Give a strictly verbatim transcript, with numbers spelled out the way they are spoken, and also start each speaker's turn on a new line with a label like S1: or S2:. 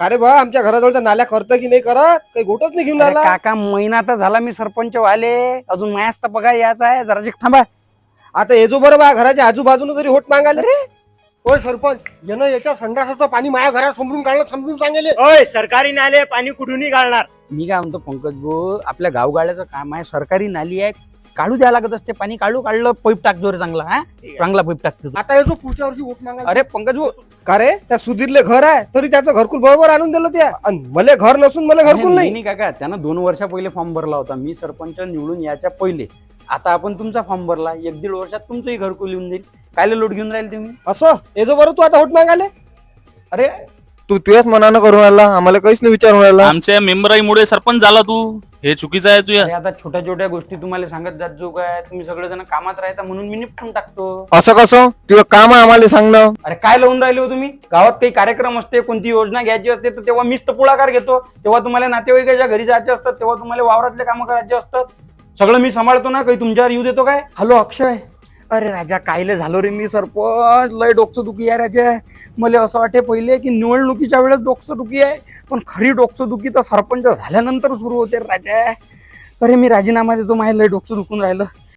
S1: अरे बा आमच्या घराजवळच्या नाल्या करतं की नाही करत काही गोटच नाही घेऊन
S2: अरे
S1: राहिला.
S2: काका महिना तर झाला मी सरपंच व्हाले, अजून मायाच तर पगार यायचा आहे. जरा जिक थांबा.
S1: आता हे जो बरं बा घराच्या आजूबाजूने तरी होट मागायला.
S3: होय सरपंच, यानं याच्या संडासाचं पाणी माझ्या घरात समजून काढलं, समजून सांगेले.
S4: होय सरकारी नाले पाणी कुठूनही काढणार.
S2: मी काय म्हणतो पंकज भाऊ, आपल्या गावगाड्याचं काम आहे, सरकारी नाली आहे, काढू द्यायला लागत असते पाणी. काढू काढलं पैप टाक जोर चांगला. हा चांगला पैप टाकतो.
S3: आता येतो पुढच्या वर्षी वोट मागायला.
S2: अरे पंकज भाऊ,
S1: का रे त्या सुधीरले घर आहे तरी त्याचं घरकुल बरोबर आणून दिलं त्या, आणि मला घर नसून मला घरकुल
S2: नाही
S1: नाही.
S2: नाही काका, त्यानं दोन वर्षा पहिले फॉर्म भरला होता. मी सरपंच निवडून याच्या पहिले. आता आपण तुमचा फॉर्म भरला, एक दीड वर्षात तुमचंही घरकुल येऊन जाईल. कायले लोट घेऊन राहील तुम्ही?
S1: असं हे जो बरं तू आता होट मागायला.
S2: अरे
S5: तू तुझ्याच मनानं करून राहिला, आम्हाला काहीच नाही विचारून राहिला.
S6: आमच्या मेंबराईमुळे सरपंच झाला तू, हे चुकीचं आहे तुझ्या.
S2: अरे आता छोट्या छोट्या गोष्टी तुम्हाला सांगत जात जो काय, तुम्ही सगळेजण कामात राहता म्हणून मी निपटून टाकतो.
S5: असं कसं? तुझं काम आहे आम्हाला सांगणं.
S2: अरे काय लावून राहिले हो तुम्ही? गावात काही कार्यक्रम असते, कोणती योजना घ्यायची असते, तर तेव्हा मीच तर पुढाकार घेतो. तेव्हा तुम्हाला नातेवाईकाच्या घरी जायचे असतात, तेव्हा तुम्हाला वावरातले कामं करायचे असतात. सगळं मी सांभाळतो ना, काही तुमच्यावर येऊ देतो काय? हॅलो अक्षय. अरे राजा कायले झालो रे मी सरपंच, लय डोकं दुखी आहे राजा. मला असं वाटे पहिले की निवडणुकीच्या वेळेस डोकं दुखी आहे, पण खरी डोकं दुखी तर सरपंच झाल्यानंतर सुरू होते राजा. अरे मी राजीनामा देतो, माझ्या लय डोकं दुखून राहिलं.